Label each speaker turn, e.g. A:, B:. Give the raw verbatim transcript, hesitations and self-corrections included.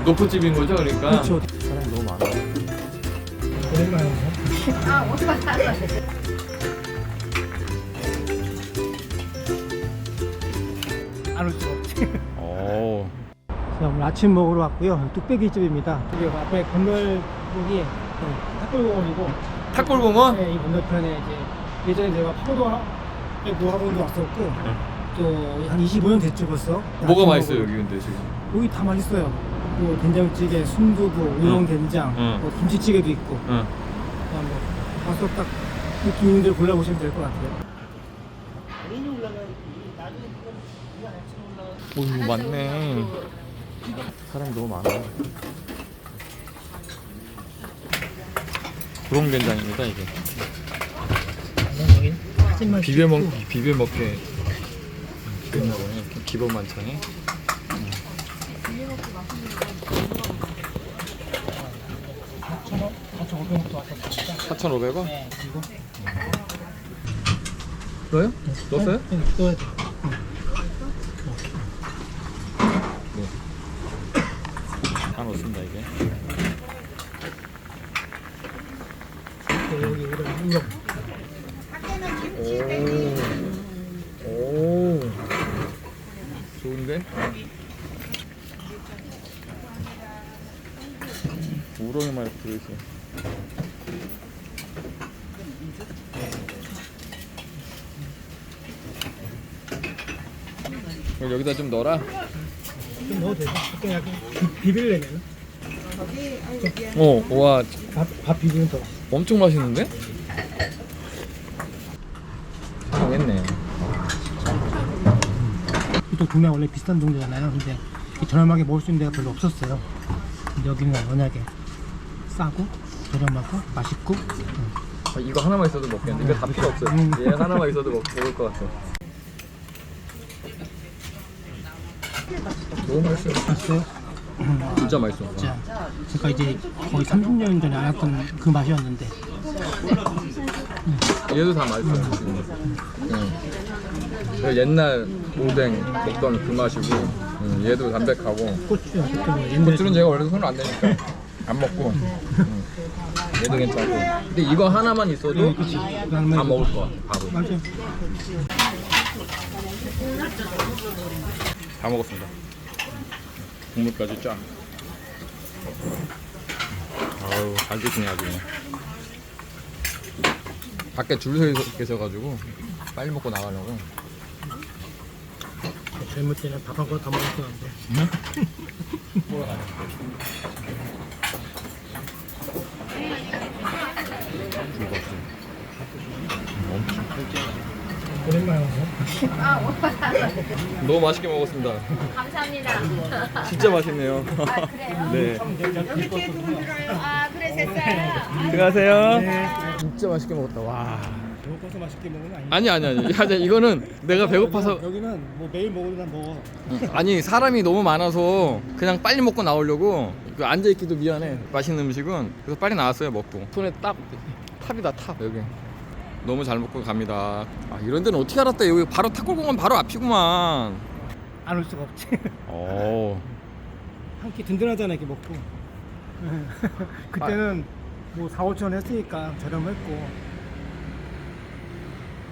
A: 노포집인 거죠, 그러니까.
B: 그렇죠.
A: 사람이 너무 많아.
B: 오랜만에
C: 아, 어떡하지?
B: 안올 수가 없지.
A: 오.
B: 자, 오늘 아침 먹으러 왔고요. 뚝배기 집입니다. 여기 앞에 건널목이 탁골공원이고,
A: 탁골공원?
B: 네, 이 건너편에 이제 예전에 제가 파고도 노학원도 왔었고, 또 한 이십오 년 됐죠 벌써.
A: 뭐가
B: 아침
A: 맛있어요,
B: 먹으러.
A: 여기 근데 지금?
B: 여기 다 맛있어요. 뭐 된장찌개, 순두부, 우렁된장,
A: 응.
B: 뭐 김치찌개도 있고.
A: 응.
B: 그냥 뭐 가서 딱 느낌 있는 데를 골라보시면 될 것 같아요.
A: 오, 이거 많네. 사람이 너무 많아. 우렁된장입니다, 이게. 비벼 먹 비벼 먹게 있나 보네. 이렇게 기본 반찬에. 사천오백 원?
B: 네, 그리고
A: 넣어요? 넣었어요?
B: 네, 넣어야 돼.
A: 다 넣습니다, 이게.
B: 네, 여기 이런 우렁.
A: 오, 오, 좋은데? 우렁이 많이 들어있어. 그럼 여기다 좀 넣어라.
B: 좀 넣어도 되죠? 그냥 약간 비- 비빌려면
A: 어, 와,
B: 밥, 밥 비비면 더.
A: 엄청 맛있는데? 상했네.
B: 또 동네 원래 비슷한 동네잖아요. 근데 이 저렴하게 먹을 수 있는 데가 별로 없었어요. 근데 여기는 워낙에 싸고 저렴하고 맛있고. 음.
A: 아, 이거 하나만 있어도 먹겠는데 이거 다 필요 없어요.
B: 음.
A: 얘 하나만 있어도 먹, 먹을 것 같아. 너무 맛있어요.
B: 맛있어요? 음,
A: 진짜 맛있어.
B: 진짜. 제가 이제 거의 삼십 년 전에 알았던 그 맛이었는데.
A: 얘도 다 맛있어요. 지금. 응. 그 옛날 오뎅 먹던 그 맛이고, 응. 얘도 담백하고.
B: 고추 고추는 옛날에
A: 고추는 제가 원래 손을 안 대니까 안 먹고. 응. 얘도 괜찮고. 근데 이거 하나만 있어도
B: 네, 그치.
A: 다 먹을 것 같아. 바로.
B: 맞아요.
A: 다 먹었습니다. 국물까지 쫙. 아우, 잘 드시네 아주. 밖에 줄 서 계셔가지고 빨리 먹고 나가려고.
B: 젊을 때는 밥 한 그릇 다 먹었었는데. 오랜만에 와서.
C: 아, 어떡하지?
A: 너무 맛있게 먹었습니다.
C: 감사합니다.
A: 진짜 맛있네요.
C: 아, 그래요?
A: 네.
C: 아, 그래, 됐어요.
A: 들어가세요. 진짜 맛있게 먹었다. 와.
B: 배고파서 맛있게 먹는 거 아니야?
A: 아니 아니 아니. 아니 이거는 내가 배고파서.
B: 여기는 뭐 매일 먹어도 난 먹어.
A: 아니 사람이 너무 많아서 그냥 빨리 먹고 나오려고 그 앉아 있기도 미안해. 맛있는 음식은 그래서 빨리 나왔어요 먹고. 손에 딱 탑이다 탑 여기. 너무 잘 먹고 갑니다. 아, 이런 데는 어떻게 알았대? 여기 바로 탁골공원 바로 앞이구만.
B: 안 올 수가 없지.
A: 오.
B: 한 끼 든든하잖아 이렇게 먹고. 그때는 뭐 사, 오천 원 했으니까 저렴했고